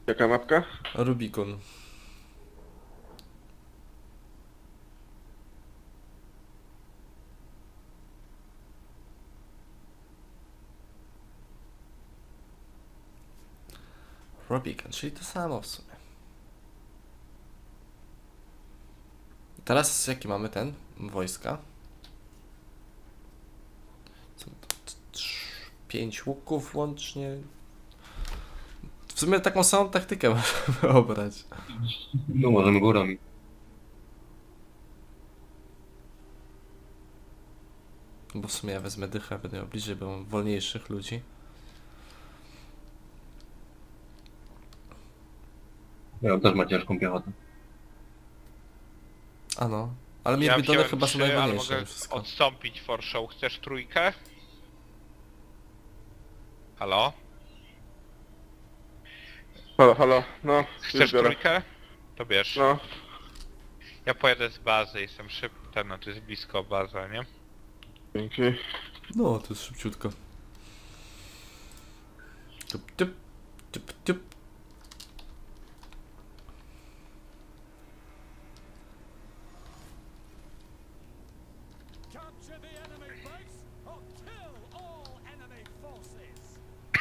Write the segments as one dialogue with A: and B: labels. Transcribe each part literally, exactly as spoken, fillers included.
A: Jaka mapka?
B: Rubikon. Rubikon, czyli to samo w sumie. Teraz jaki mamy ten? Wojska. Są to t- trz- pięć łuków łącznie. W sumie taką samą taktykę możemy obrać.
C: No możemy górami.
B: Bo w sumie ja wezmę dychę, będę miał bliżej, bo mam wolniejszych ludzi.
C: Ja też ma ciężką piechotę.
B: A no. Ale mnie
D: Ja
B: bidony
D: wziąłem
B: chyba są
D: trzy, ale
B: najwolniejsze
D: mogę
B: mimo wszystko.
D: odstąpić for show. Chcesz trójkę? Halo?
A: Halo, halo, no.
D: Chcesz
A: już biorę.
D: trójkę? To bierz.
A: No.
D: Ja pojadę z bazy, jestem szybki, no to jest blisko baza, nie?
A: Dzięki.
B: No, to jest szybciutko. Tup, tup, tup, tup.
E: Capture the enemy base or kill all enemy forces.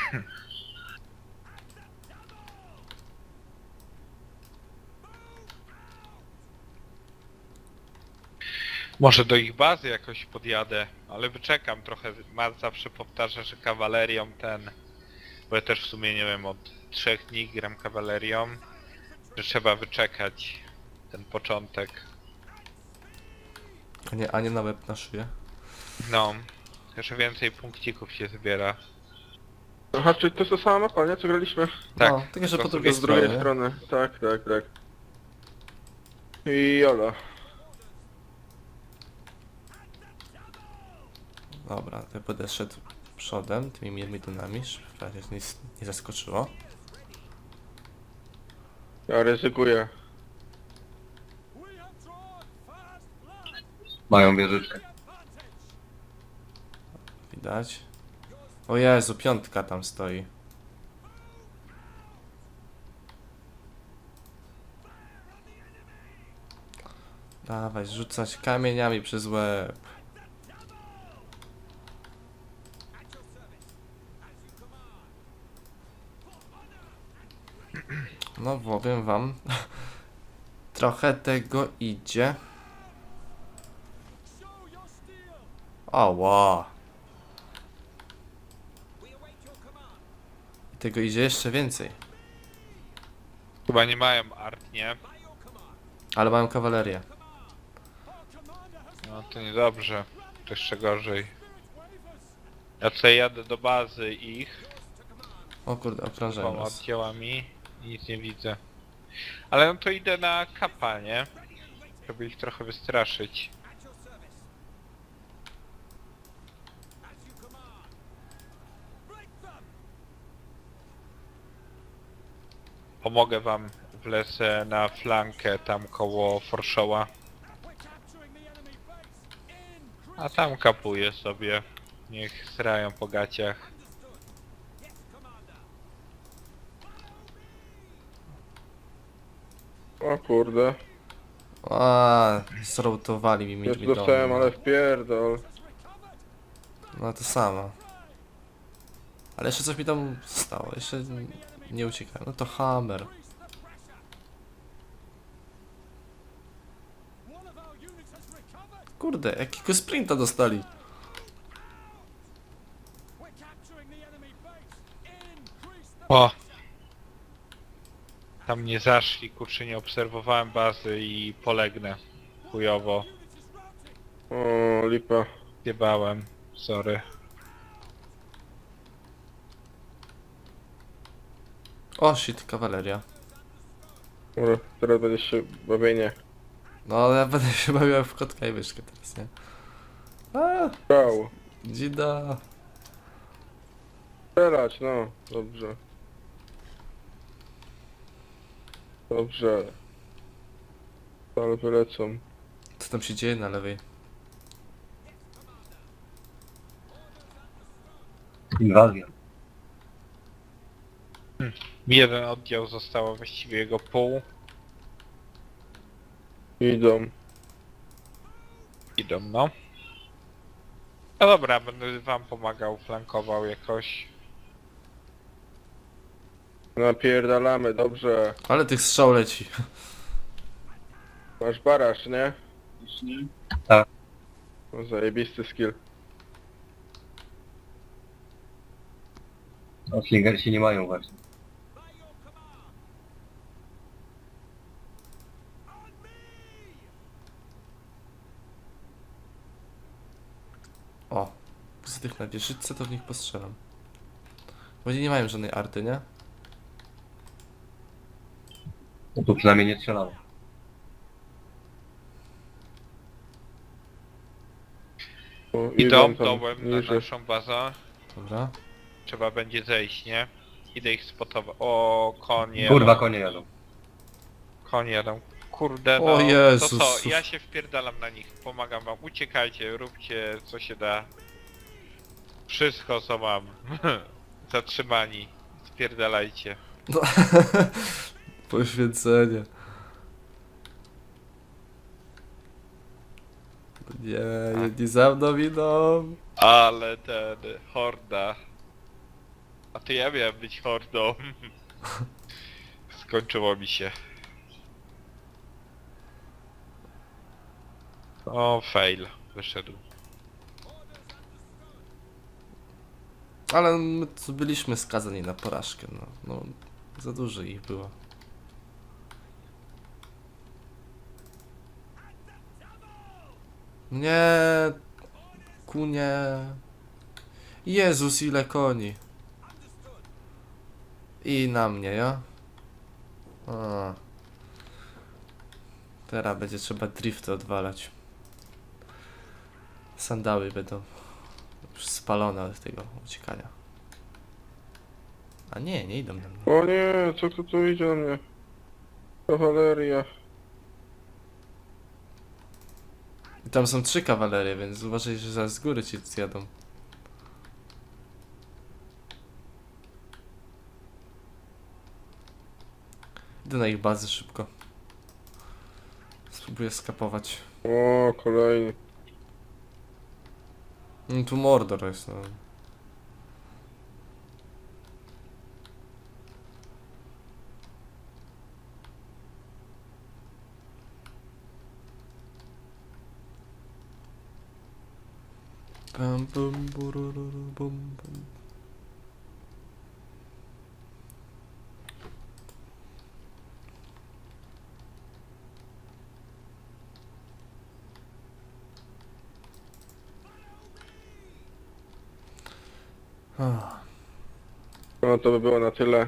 D: Może do ich bazy jakoś podjadę, ale wyczekam trochę. Matt zawsze powtarza, że kawalerią ten... Bo ja też w sumie nie wiem, od trzech dni gram kawalerią. Że trzeba wyczekać ten początek.
B: A nie, a nie na łeb na szyję.
D: No. Też więcej punkcików się zbiera.
A: Aha, czyli to jest ta sama mapa, nie? Co graliśmy?
D: Tak,
B: No, tylko że
D: to
B: po
D: z
B: drugiej
A: Z drugiej
B: stronie.
A: strony. Tak, tak, tak. I jola.
B: Dobra, to ja będę szedł przodem, tymi bidonami, żeby mnie nic nie zaskoczyło.
A: Ja ryzykuję.
E: We have drawn fast blood.
C: Mają wieżyczkę.
E: Advantage.
B: Widać. O Jezu, piątka tam stoi. Dawaj, rzucać kamieniami przez łeb. No powiem wam, trochę tego idzie.
E: Show your steel.
B: Ała.
E: We await your command.
B: I tego idzie jeszcze więcej.
D: Chyba nie mają art, nie?
E: By your command.
B: Ale mają kawalerię.
E: Our commander has
D: No to niedobrze. To jeszcze gorzej.
E: spirit wavers.
D: Ja tutaj jadę do bazy ich,
B: O kurde, okrążają
D: dwoma
B: nas.
D: oddziałami i nic nie widzę. Ale no to idę na kapa, nie? Żeby ich trochę wystraszyć.
E: At your service. As you command. Break them.
D: Pomogę wam, wlecę na flankę tam koło Forshoła.
E: We're capturing the enemy base. In.
D: A tam kapuję sobie. Niech srają po gaciach.
E: Yes, commander.
A: O kurde.
B: A, zroutowali mi
A: Już
B: bidony.
A: dostałem, ale wpierdol.
E: Has recovered.
B: No to samo. Ale jeszcze coś mi tam stało, jeszcze nie uciekałem. No to hammer.
E: Increase the pressure. One of our units has recovered.
B: Kurde, jakiego sprinta dostali.
E: We're capturing the enemy base. Increase the
D: O! Tam nie zaszli, kurczę, nie obserwowałem bazy i polegnę. Chujowo.
E: unit is routing.
A: O, lipa.
D: Zjebałem. Sorry.
B: O shit, kawaleria.
A: Dobra, teraz będzie się bawienie.
B: No ale ja będę się bawił w kotka i myszkę teraz, nie? A,
A: Ciao.
B: dzida.
A: Strzelać, no. Dobrze. Dobrze. Ale wylecą.
B: Co tam się dzieje na lewej?
C: Inwazja.
D: Mi jeden oddział zostało, właściwie jego pół.
A: Idą.
D: Idą, no. No dobra, będę wam pomagał, flankował jakoś.
A: Napierdalamy, dobrze.
B: Ale tych strzał leci.
A: Masz baraż, nie?
C: Tak.
A: No, zajebisty skill.
C: No, slingersi nie mają właśnie.
E: By your command. On me!
B: O, z tych na wieżyczce to w nich postrzelam. Bo oni nie mają żadnej arty, nie?
C: No tu przynajmniej nie strzelało.
A: O,
D: Idą
A: tam
D: dołem na
A: niżej.
D: naszą bazę.
B: Dobra.
D: Trzeba będzie zejść, nie? Idę ich spotować. O, konie.
C: Kurwa, konie jadą.
D: Konie jadą. Kurde, no.
B: O Jezus.
D: To co? Ja się wpierdalam na nich. Pomagam wam. Uciekajcie, róbcie co się da. Wszystko co mam. Zatrzymani. Spierdalajcie.
B: No. Poświęcenie. Nie, jedni za mną idą.
D: Ale ten... Horda. A to ja miałem być hordą. Skończyło mi się. O, fail. Wyszedł.
B: Ale my tu byliśmy skazani na porażkę, no. No, za dużo ich było. Nie, kunie. Jezus, ile koni. I na mnie, ja? A. Teraz będzie trzeba drifty odwalać. Sandały będą już spalone od tego uciekania. A nie, nie idą na mnie.
A: O nie, co tu, tu idzie na mnie? Kawaleria.
B: I tam są trzy kawalerie, więc uważaj, że zaraz z góry ci zjadą. Idę na ich bazę szybko. Spróbuję skapować.
A: O, kolejny.
B: No tu Mordor jest, no. Bum, bum, burururu, bum, bum. Ah.
A: No to by było na tyle.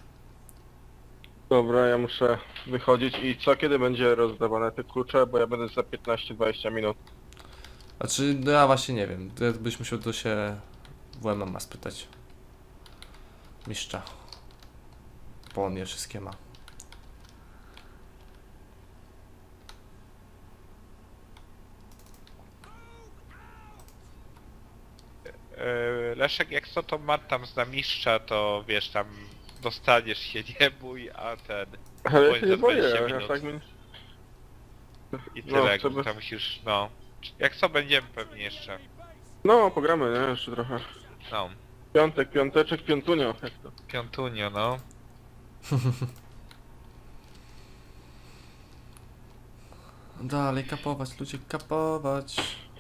A: Dobra, ja muszę wychodzić i co, kiedy będzie rozdawane te klucze, bo ja będę za piętnaście dwadzieścia minut.
B: Znaczy, no ja właśnie nie wiem. To byś musiał to się W M M A spytać. Mistrza. Bo on je wszystkie ma.
D: Yy, Leszek, jak co to ma tam za mistrza, to wiesz, tam dostaniesz się, nie bój, a ten...
A: Ale ja
D: Bądź
A: się
D: za
A: nie boję,
D: dwadzieścia
A: ja
D: minut.
A: tak mi...
D: I
A: No,
D: tyle,
A: trzeba-
D: tam musisz, no... Jak co będziemy pewnie jeszcze.
A: No, pogramy, nie? Jeszcze trochę.
D: No,
A: Piątek, piąteczek, piątunio, jak to?
D: piątunio, no.
B: Dalej kapować, ludzie, kapować.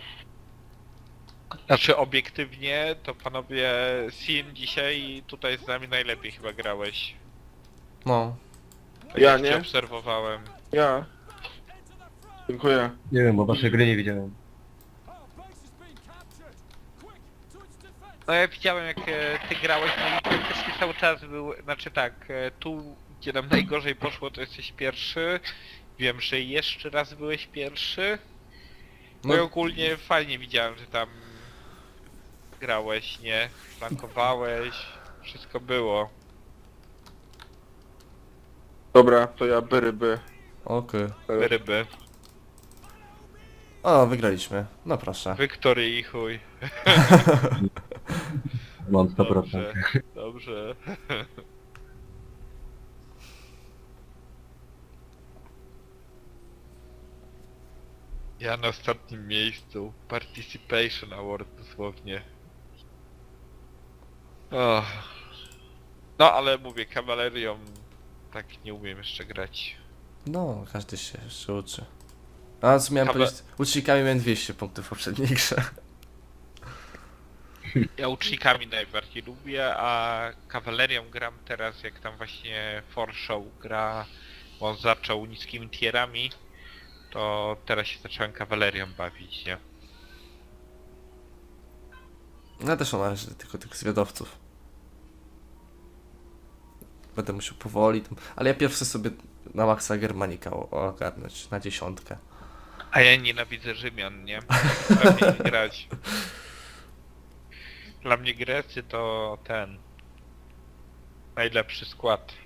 D: Znaczy obiektywnie, to panowie Sin dzisiaj tutaj z nami najlepiej chyba grałeś.
B: No.
D: Tak
A: Ja
D: jak cię
A: nie?
D: obserwowałem.
A: Ja. Dziękuję.
C: Nie wiem, bo waszej gry nie widziałem.
E: Our base has been captured. Quick, to its defense.
D: No ja widziałem jak e, ty grałeś, no i praktycznie cały czas był, znaczy tak, e, tu gdzie nam najgorzej poszło to jesteś pierwszy. Wiem, że jeszcze raz byłeś pierwszy. No i
B: No,
D: ogólnie fajnie widziałem, że tam grałeś, nie? Flankowałeś, wszystko było.
A: Dobra, to ja by ryby.
B: okej.
D: Ryby.
B: O, wygraliśmy. No proszę.
D: Wiktory i chuj.
C: Mam sto procent.
D: Dobrze, dobrze. Ja na ostatnim miejscu. Participation Award dosłownie. Och. No ale mówię, kawalerią tak nie umiem jeszcze grać.
B: No, każdy się jeszcze uczy. A co miałem
D: Kawa-
B: powiedzieć? Łucznikami miałem dwieście punktów w poprzedniej grze.
D: Ja łucznikami najbardziej lubię, a kawalerią gram teraz jak tam właśnie Forshow gra, bo on zaczął niskimi tierami, to teraz się zacząłem kawalerią bawić, nie?
B: Ja też mam należy tylko tych zwiadowców. Będę musiał powoli tam... Ale ja pierwszy sobie na maksa Germanika o- ogarnąć, na dziesiątkę.
D: A ja nienawidzę Rzymian, nie? Prawie nie grać. Dla mnie Grecy to ten najlepszy skład.